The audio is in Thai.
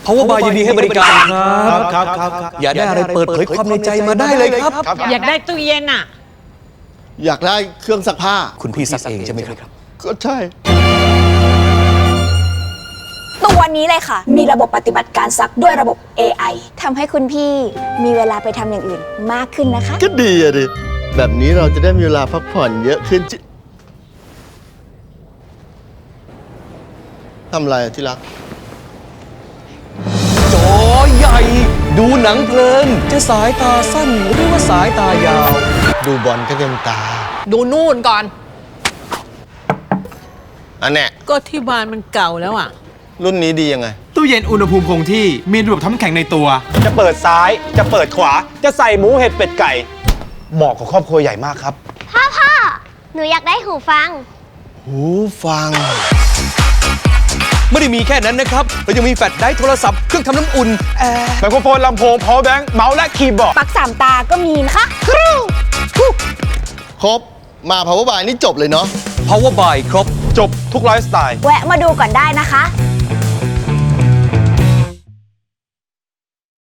Power Bar ยินดีให้บริการครับอยากได้อะไรเปิดเผยความในใจมาได้เลยครับอยากได้ตู้เย็นอ่ะอยากได้เครื่องซักผ้าคุณพี่ซักเองใช่ไหมครับก็ใช่ตัวนี้เลยค่ะมีระบบปฏิบัติการซักด้วยระบบ AI ทำให้คุณพี่มีเวลาไปทำอย่างอื่นมากขึ้นนะคะก็ดีอะดิแบบนี้เราจะได้มีเวลาพักผ่อนเยอะขึ้นทำอะไรที่รักจอใหญ่ดูหนังเพลินจะสายตาสั้นหรือว่าสายตายาวดูบอลก็เต็มตาดูนู่นก่อนอันเนี้ยก็ที่บ้านมันเก่าแล้วอ่ะรุ่นนี้ดียังไงตู้เย็นอุณหภูมิคงที่มีระบบทำน้ำแข็งในตัวจะเปิดซ้ายจะเปิดขวาจะใส่หมูเห็ดเป็ดไก่เหมาะกับครอบครัวใหญ่มากครับพ่อหนูอยากได้หูฟังหูฟังไม่ได้มีแค่นั้นนะครับเรายังมีแฟลชไดรฟ์โทรศัพท์เครื่องทำน้ำอุ่นไมโครโฟนลำโพงพาวเวอร์แบงค์เมาส์และคีย์บอร์ดปลั๊ก3 ตาก็มีนะคะครบมา Power Bar นี่จบเลยเนาะ Power Bar ครบจบทุกไลฟ์สไตล์แวะมาดูก่อนได้นะคะ